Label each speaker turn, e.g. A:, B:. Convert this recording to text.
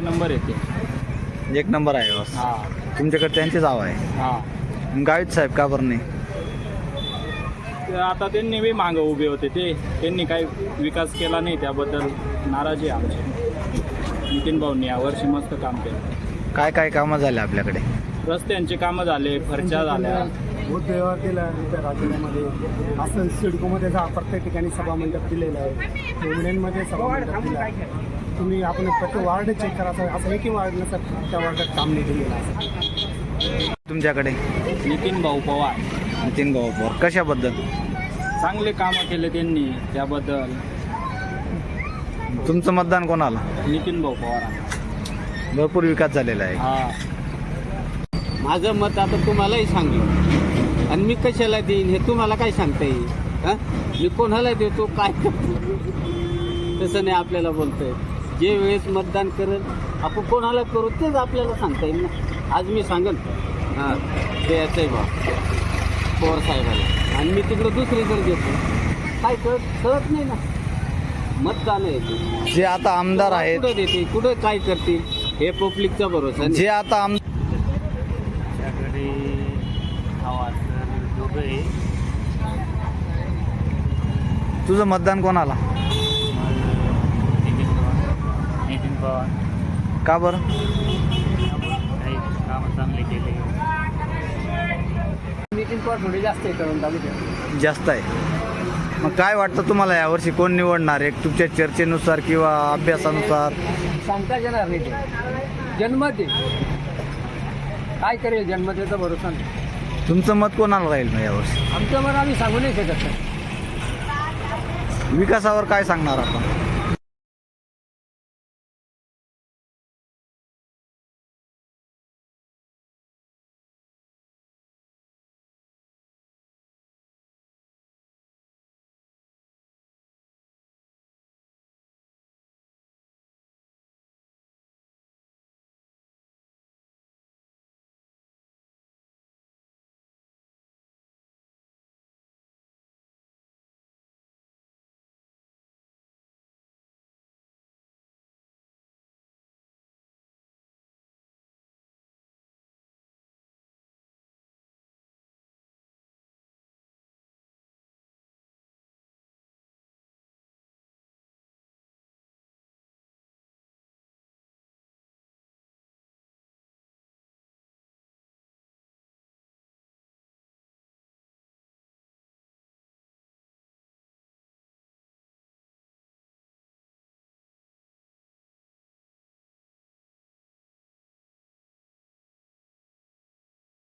A: Number येते.
B: एक number आहे बस.
A: हा
B: तुमच्याकडे त्यांची जाव आहे.
A: हा.
B: गावित साहेब का बरं नाही?
A: ते आता त्यांनी बी मागं उभे होते, त्यांनी काही विकास केला नाही, त्याबद्दल नाराजी आहे आमची. नितीन भाऊंनी यावर्षी मस्त काम केलं.
B: काय काय कामं झाले आपल्याकडे?
A: रस्त्यांचे कामं झाले, फरच्या झाल्या.
C: बहुत व्यवहार केला त्या राज्यामध्ये. असं सिडकोमध्ये जा प्रत्येक ठिकाणी सभामंडप दिलेलं आहे. पेमण्यांमध्ये सभामंडप दिलं आहे. तुम्ही आपण प्रत्येक वार्ड चेक करा, असं एकही वार्ड नसतं त्या वार्डात काम नाही दिलेलं असं.
B: तुमच्याकडे
A: नितीन भाऊ पवार
B: नितीन भाऊ पवार कशाबद्दल?
A: चांगले कामं केले त्यांनी, त्याबद्दल.
B: तुमचं मतदान कोणाला?
A: नितीन भाऊ पवार.
B: भरपूर विकास झालेला आहे.
A: हा.
D: माझं मत आता तुम्हालाही सांगलं आणि मी कशाला देईन हे तुम्हाला काय सांगता येईल? हां, मी कोणाला देतो काय करतो तसं नाही आपल्याला बोलतोय. जे वेळेस मतदान करेल आपण कोणाला करू तेच आपल्याला सांगता येईल ना. आज मी सांगेन हां ते याचं बा पवार साहेबाला आणि मी तिकडं दुसरीकडे देतो काय कळत नाही ना. मतदान आहे
B: जे आता आमदार आहेत,
D: कुठं देते कुठं काय करतील हे पब्लिकचा भरोसा नाही.
B: जे आता तुझं मतदान कोणाला?
A: नितीन पवार.
B: का बरं?
A: काही कामं चांगले केले.
D: नितीन पवार थोडे जास्त आहे करून तालुक्यात.
B: जास्त आहे. मग काय वाटतं तुम्हाला यावर्षी कोण निवडणार आहे? तुमच्या चर्चेनुसार किंवा अभ्यासानुसार?
D: सांगता येणार नाही ते. जन्मत आहे काय करेल जन्मतेचा भरोसा नाही.
B: तुमचं मत कोणाला राहील मग यावर्षी?
D: आमचं मत आम्ही सांगू नाही शकत.
B: विकासावर काय सांगणार आपण?